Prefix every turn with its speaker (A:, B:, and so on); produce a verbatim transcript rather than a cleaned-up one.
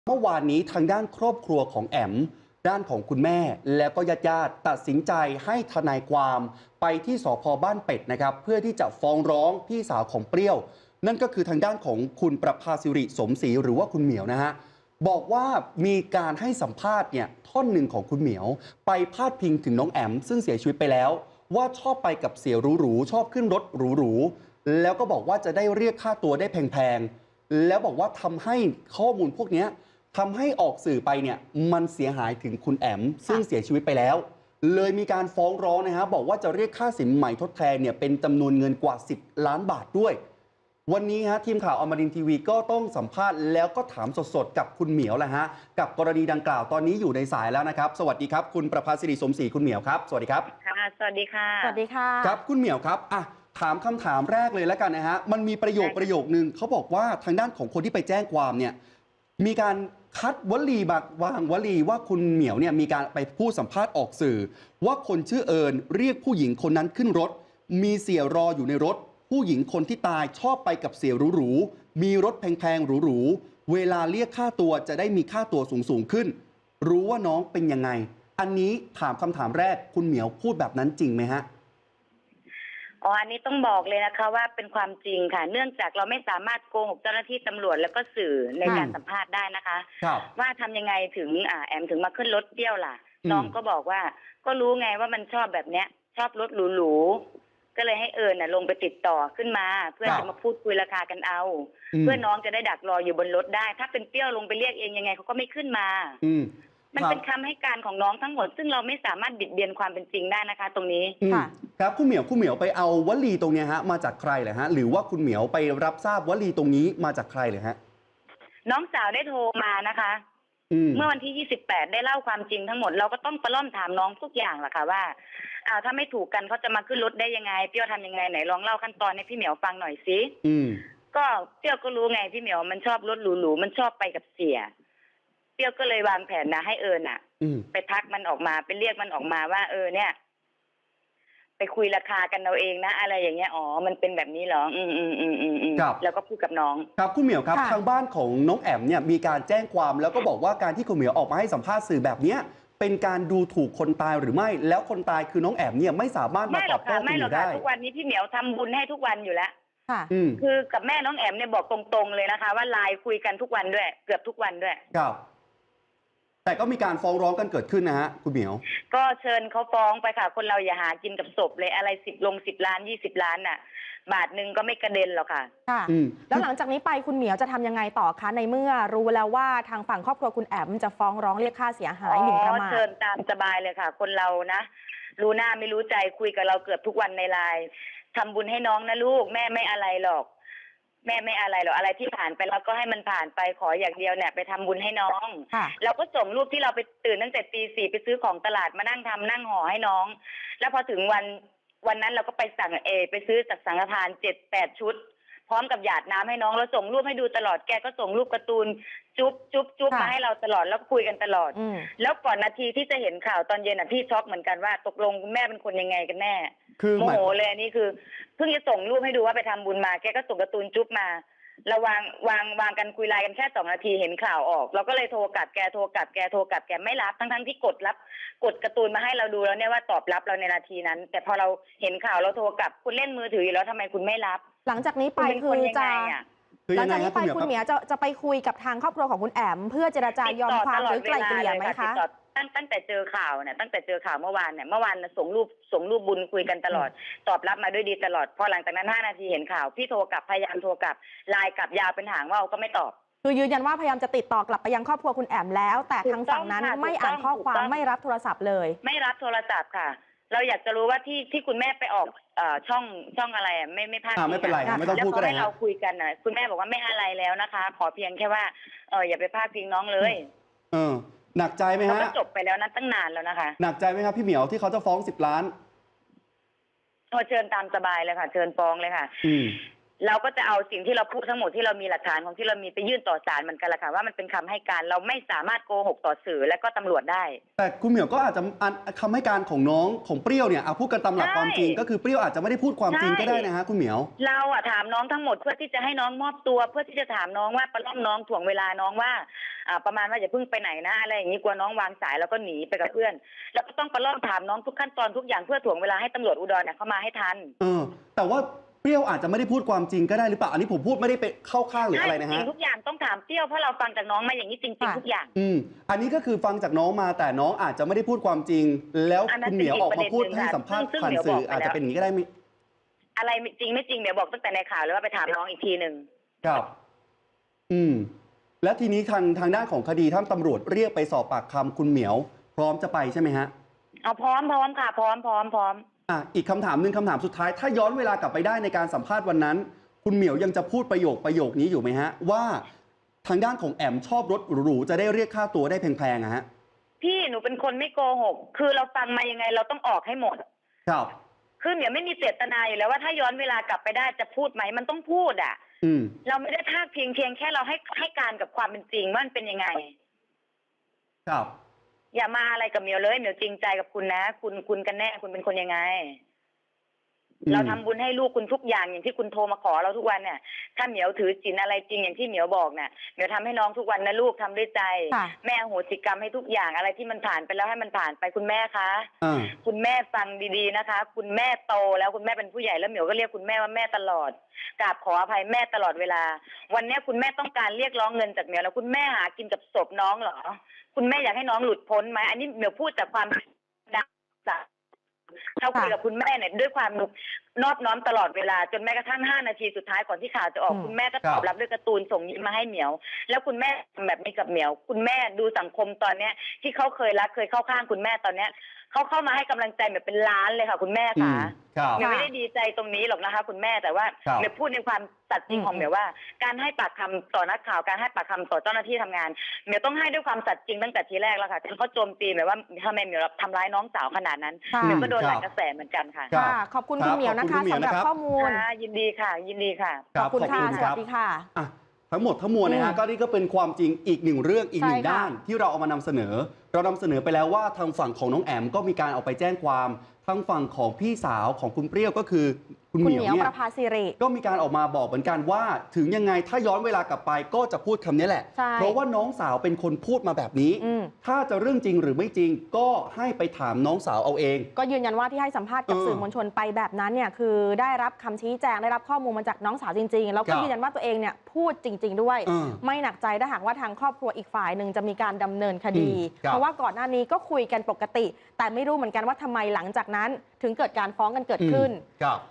A: เมื่อวานนี้ทางด้านครอบครัวของแอมด้านของคุณแม่แล้วก็ญาติญาติตัดสินใจให้ทนายความไปที่สภ.บ้านเป็ดนะครับเพื่อที่จะฟ้องร้องพี่สาวของเปรี้ยวนั่นก็คือทางด้านของคุณประภาสิริสมศรีหรือว่าคุณเหมียวนะฮะบอกว่ามีการให้สัมภาษณ์เนี่ยท่อนหนึ่งของคุณเหมียวไปพาดพิงถึงน้องแอมซึ่งเสียชีวิตไปแล้วว่าชอบไปกับเสียหรูๆชอบขึ้นรถหรูๆแล้วก็บอกว่าจะได้เรียกค่าตัวได้แพงๆแล้วบอกว่าทำให้ข้อมูลพวกนี้ทำให้ออกสื่อไปเนี่ยมันเสียหายถึงคุณแอมซึ่งเสียชีวิตไปแล้วเลยมีการฟ้องร้องนะฮะบอกว่าจะเรียกค่าสินใหม่ทดแทนเนี่ยเป็นจำนวนเงินกว่าสิบล้านบาทด้วยวันนี้ฮะทีมข่าวอมรินทร์ทีวีก็ต้องสัมภาษณ์แล้วก็ถามสดๆกับคุณเหมียวแหละฮะกับกรณีดังกล่าวตอนนี้อยู่ในสายแล้วนะครับสวัสดีครับคุณประภาสิริสมศรีคุณเหมียวครับสวัสดีครับ
B: ค่ะสวัสดีค่ะ
C: สวัสดีค่ะ
A: ครับคุณเหมียวครับอ่ะถามคำถามแรกเลยแล้วกันนะฮะมันมีประโยคประโยคนึงเขาบอกว่าทางด้านของคนที่ไปแจ้งความเนี่ยมีการคัดวลีบางวางวลีว่าคุณเหมียวเนี่ยมีการไปพูดสัมภาษณ์ออกสื่อว่าคนชื่อเอิญเรียกผู้หญิงคนนั้นขึ้นรถมีเสียรออยู่ในรถผู้หญิงคนที่ตายชอบไปกับเสียหรูๆมีรถแพงๆหรูๆเวลาเรียกค่าตัวจะได้มีค่าตัวสูงๆขึ้นรู้ว่าน้องเป็นยังไงอันนี้ถามคำถามแรกคุณเหมียวพูดแบบนั้นจริงไหมฮะ
B: อ๋ออันนี้ต้องบอกเลยนะคะว่าเป็นความจริงค่ะเนื่องจากเราไม่สามารถโกหกเจ้าหน้าที่ตำรวจแล้วก็สื่อในการสัมภาษณ์ได้นะคะว่าทำยังไงถึงอ่าแอมถึงมาขึ้นรถเที่ยวล่ะน้องก็บอกว่าก็รู้ไงว่ามันชอบแบบเนี้ยชอบรถหรูๆก็เลยให้เอิญน่ะลงไปติดต่อขึ้นมาเพื่อจะมาพูดคุยราคากันเอาเพื่อน้องจะได้ดักรออยู่บนรถได้ถ้าเป็นเปรี้ยวลงไปเรียกเองยังไงเขาก็ไม่ขึ้นมามันเป็นคำให้การของน้องทั้งหมดซึ่งเราไม่สามารถบิดเบียนความเป็นจริงได้นะคะตรงนี้
A: ค่ะครับคุณเหมียวคุณเหมียวไปเอาวลีตรงนี้ฮะมาจากใครเหรอฮะหรือว่าคุณเหมียวไปรับทราบวลีตรงนี้มาจากใครเลยฮะ
B: น้องสาวได้โทรมานะคะเมื่อวันที่ยี่สิบแปดได้เล่าความจริงทั้งหมดเราก็ต้องประล่อมถามน้องทุกอย่างแหละค่ะว่าอ้าวถ้าไม่ถูกกันเขาจะมาขึ้นรถได้ยังไงเปรี้ยวทำยังไงไหนลองเล่าขั้นตอนให้พี่เหมียวฟังหน่อยสิก็เปรี้ยวก็รู้ไงพี่เหมียวมันชอบรถหรูๆมันชอบไปกับเสียเปรี้ยวก็เลยวางแผนนะให้เอิญอ่ะไปทักมันออกมาไปเรียกมันออกมาว่าเออเนี่ยไปคุยราคากันเราเองนะอะไรอย่างเงี้ยอ๋อมันเป็นแบบนี้เหรออืมอืมอืมอืมอืมแล้วก็พูดกับน้อง
A: ครับคุณเหมียวครับทางบ้านของน้องแอมเนี่ยมีการแจ้งความแล้วก็บอกว่าการที่คุณเหมียวออกมาให้สัมภาษณ์สื่อแบบเนี้ยเป็นการดูถูกคนตายหรือไม่แล้วคนตายคือน้องแอมเนี่ยไม่สามารถมาตอบโต้คุณเหมียวได้
B: ทุกวันนี้พี่เหมียวทำบุญให้ทุกวันอยู่แล้วค่ะคือกับแม่น้องแอมเนี่ยบอกตรงๆเลยนะคะว่าไลน์คุยกันทุกวันด้วยเกือบทุกวันด้วย
A: ครับแต่ก็มีการฟ้องร้องกันเกิดขึ้นนะฮะคุณเหมียว
B: ก็เชิญเขาฟ้องไปค่ะคนเราอย่าหากินกับศพเลยอะไรสิบลงสิบล้านยี่สิบล้านน่ะบาทหนึ่งก็ไม่กระเด็นหรอกค่ะ
C: ค่ะแล้วหลังจากนี้ไปคุณเหมียวจะทำยังไงต่อคะในเมื่อรู้แล้วว่าทางฝั่งครอบครัวคุณแอมจะฟ้องร้องเรียกค่าเสียหายหมิ่นประมาท
B: เชิญตามสบายเลยค่ะคนเรานะรู้หน้าไม่รู้ใจคุยกับเราเกือบทุกวันในไลน์ทำบุญให้น้องนะลูกแม่ไม่อะไรหรอกแม่ไม่อะไรหรอกอะไรที่ผ่านไปแล้วก็ให้มันผ่านไปขออย่างเดียวเนี่ยไปทำบุญให้น้องเราก็ส่งรูปที่เราไปตื่นตั้งแต่ตีสี่ไปซื้อของตลาดมานั่งทำนั่งห่อให้น้องแล้วพอถึงวันวันนั้นเราก็ไปสั่งเอไปซื้อจากสังฆทานเจ็ดแปดชุดพร้อมกับหยาดน้ำให้น้องเราส่งรูปให้ดูตลอดแกก็ส่งรูปการ์ตูนจุ๊บจุ๊บจุ๊บมาให้เราตลอดแล้วคุยกันตลอดแล้วก่อนนาทีที่จะเห็นข่าวตอนเย็นอ่ะพี่ช็อกเหมือนกันว่าตกลงคุณแม่เป็นคนยังไงกันแน่โมโหเลยอันนี้คือเพิ่งจะส่งรูปให้ดูว่าไปทำบุญมาแกก็ส่งการ์ตูนจุ๊บมาเราวางวางวางกันคุยไลน์กันแค่สองนาทีเห็นข่าวออกเราก็เลยโทรกลับแกโทรกลับแกโทรกลับแกไม่รับทั้งทั้งที่กดรับกดการ์ตูนมาให้เราดูแล้วเนี่ยว่าตอบรับเราในนาทีนั้นแต่พอเราเห็นข่าวเราโทรกลับคุณเล่นมือถืออยู่แล้วทำไมคุณไม่รับ
C: หลังจากนี้ไปคือจะหลังจากนี้ไปคุณเหมียวจะจะไปคุยกับทางครอบครัวของคุณแอมเพื่อเจรจายอมความหรือไกล่เกลี่ยไหมคะ
B: ตั้งตั้งแต่เจอข่าวเนี่ยตั้งแต่เจอข่าวเมื่อวานเนี่ยเมื่อวานส่งรูปส่งรูปบุญคุยกันตลอดตอบรับมาด้วยดีตลอดพอหลังจากนั้นห้านาทีเห็นข่าวพี่โทรกลับพยายามโทรกลับไลน์กลับยาวเป็นหางว่าวก็ไม่ตอบ
C: คือยืนยันว่าพยายามจะติดต่อกลับไปยังครอบครัวคุณแอมแล้วแต่ทางฝั่งนั้นไม่อ่านข้อความไม่รับโทรศัพท์เลย
B: ไม่รับโทรศัพท์ค่ะเราอยากจะรู้ว่าที่ที่คุณแม่ไปออกช่องช่องอะไรอ่ะไม่ไม่พลาด
A: ไม่เป็นไรไม่ต้องพูดก็ได้
B: ให้เราคุยกันนะคุณแม่บอกว่าไม่อะไรแล้วนะคะขอเพียงแค่ว่าเอออย่าไปพลาดพิงน้องเลย
A: เออหนักใจไหมฮะ
B: ก็จบไปแล้วนะตั้งนานแล้วนะคะ
A: หนักใจไหมครับพี่เหมียวที่เขาจะฟ้องสิบล้าน
B: โทรเชิญตามสบายเลยค่ะเชิญฟ้องเลยค่ะเราก็จะเอาสิ่งที่เราพูดทั้งหมดที่เรามีหลักฐานของที่เรามีไปยื่นต่อศาลเหมือนกันแหละค่ะว่ามันเป็นคำให้การเราไม่สามารถโกหกต่อสื่อและก็ตำรวจได้
A: แต่คุณเหมียวก็อาจจะคำให้การของน้องของเปรี้ยวเนี่ยเอาพูดกันตามหลักความจริงก็คือเปรี้ยวอาจจะไม่ได้พูดความจริงก็ได้นะฮะคุณเหมียว
B: เราอะถามน้องทั้งหมดเพื่อที่จะให้น้องมอบตัวเพื่อที่จะถามน้องว่าประล่อมน้องถ่วงเวลาน้องว่าอ่าประมาณว่าอย่าเพิ่งไปไหนนะอะไรอย่างนี้กลัวน้องวางสายแล้วก็หนีไปกับเพื่อนแล้วก็ต้องไปล่อถามน้องทุกขั้นตอนทุกอย่างเพื่อถ่วงเวลาให้ตำรวจอุดรเนี่ยเข้ามาให้ทัน
A: เออแต่ว่าเปรี้ยวอาจจะไม่ได้พูดความจริงก็ได้หรือเปล่าอันนี้ผมพูดไม่ได้ไปเข้าข้างหรืออะไรนะฮะ
B: จริงทุกอย่างต้องถามเปรี้ยวเพราะเราฟังจากน้องมาอย่างนี้จริงๆทุกอย่าง
A: อืมอันนี้ก็คือฟังจากน้องมาแต่น้องอาจจะไม่ได้พูดความจริงแล้วคุณเหมียวออกมาพูดให้สัมภาษณ์ผ่านสื่ออาจจะเป็นอย่างนี้ก็ได้
B: อะไรจริงไม่จริงเดี๋ยวบอกตั้งแต่ในข่าวเลยว่าไปถามน้องอีกทีหนึ่ง
A: ครับอืมแล้วทีนี้ทางทางด้านของคดีท่านตำรวจเรียกไปสอบปากคำคุณเหมียวพร้อมจะไปใช่ไหมฮะ
B: เอาพร้อมพร้อมค่ะพร้อมพร้อมพร้อม
A: อ่ะอีกคำถามหนึ่งคำถามสุดท้ายถ้าย้อนเวลากลับไปได้ในการสัมภาษณ์วันนั้นคุณเหมียวยังจะพูดประโยคประโยคนี้อยู่ไหมฮะว่าทางด้านของแอมชอบรถหรูๆจะได้เรียกค่าตัวได้แพงๆอะฮะ
B: พี่หนูเป็นคนไม่โกหกคือเราฟังมายังไงเราต้องออกให้หมด
A: ครับ
B: คือเหมียวไม่มีเจตนาอยู่แล้วว่าถ้าย้อนเวลากลับไปได้จะพูดไหมมันต้องพูดอ่ะ
A: อืม
B: เราไม่ได้พากเพียงเพียงแค่เราให้ให้การกับความเป็นจริงว่ามันเป็นยังไง
A: ครับ
B: อย่ามาอะไรกับเหมียวเลยเหมียวจริงใจกับคุณนะคุณคุณกันแน่คุณเป็นคนยังไงเราทำบุญให้ลูกคุณทุกอย่างอย่างที่คุณโทรมาขอเราทุกวันเนี่ยถ้าเหมียวถือศีลอะไรจริงอย่างที่เหมียวบอกเนี่ยเหมียวทำให้น้องทุกวันนะลูกทำด้วยใจแม่โหสิกรรมให้ทุกอย่างอะไรที่มันผ่านไปแล้วให้มันผ่านไปคุณแม่คะคุณแม่ฟังดีๆนะคะคุณแม่โตแล้วคุณแม่เป็นผู้ใหญ่แล้วเหมียวก็เรียกคุณแม่ว่าแม่ตลอดกราบขออภัยแม่ตลอดเวลาวันนี้คุณแม่ต้องการเรียกร้องเงินจากเหมียวแล้วคุณแม่หากินกับศพน้องเหรอคุณแม่อยากให้น้องหลุดพ้นไหมอันนี้เหมียวพูดจากความดังจากเราคุยกับคุณแม่เนี่ยด้วยความนอบน้อมตลอดเวลาจนแม้กระทั่งห้านาทีสุดท้ายก่อนที่ข่าวจะออกคุณแม่ก็ตอบรับด้วยการ์ตูนส่งยิ้มมาให้เหมียวแล้วคุณแม่ทำแบบนี้กับเหมียวคุณแม่ดูสังคมตอนเนี้ยที่เขาเคยรักเคยเข้าข้างคุณแม่ตอนเนี้ยเขาเข้ามาให้กำลังใจแบบเป็นล้านเลยค่ะคุณแม่ค่ะเหมียวไม่ได้ดีใจตรงนี้หรอกนะคะคุณแม่แต่ว่าเหมียวพูดในความสัตย์จริงของเหมียวว่าการให้ปากคำต่อนักข่าวการให้ปากคำต่อเจ้าหน้าที่ทำงานเหมียวต้องให้ด้วยความสัตย์จริงตั้งแต่ทีแรกแล้วค่ะจนเขาโจมตีแบบว่าทำไมเหมียวทำร้ายน้องสาวขนาดนั้นเหมียวก็โดนหลายกระแสเหมือนกันค่ะ
C: ขอบคุณคุณเหมียวนะคะสำหรับข้อมูล
B: ยินดีค่ะยินดีค่ะ
C: ขอบคุณค่ะสวัสดีค่ะ
A: ทั้งหมดทั้งมวลนะฮะก็นี่ก็เป็นความจริงอีกหนึ่งเรื่องอีกหนึ่งด้านที่เราเอามานำเสนอเรานำเสนอไปแล้วว่าทางฝั่งของน้องแอมก็มีการเอาไปแจ้งความทางฝั่งของพี่สาวของคุณเปรี้ยวก็คือคุณเหมียวเนี่ยก็มีการออกมาบอกเหมือนกันว่าถึงยังไงถ้าย้อนเวลากลับไปก็จะพูดคำนี้แหละเพราะว่าน้องสาวเป็นคนพูดมาแบบนี้ถ้าจะเรื่องจริงหรือไม่จริงก็ให้ไปถามน้องสาวเอาเอง
C: ก็ยืนยันว่าที่ให้สัมภาษณ์กับสื่อมวลชนไปแบบนั้นเนี่ยคือได้รับคำชี้แจงได้รับข้อมูลมาจากน้องสาวจริงๆแล้วก็ยืนยันว่าตัวเองเนี่ยพูดจริงๆด้วยไม่หนักใจถ้าหากว่าทางครอบครัวอีกฝ่ายหนึ่งจะมีการดำเนินคดีเพราะว่าก่อนหน้านี้ก็คุยกันปกติแต่ไม่รู้เหมือนกันว่าทำไมหลังจากนั้นถึงเกิดการฟ้องกันเกิดขึ้น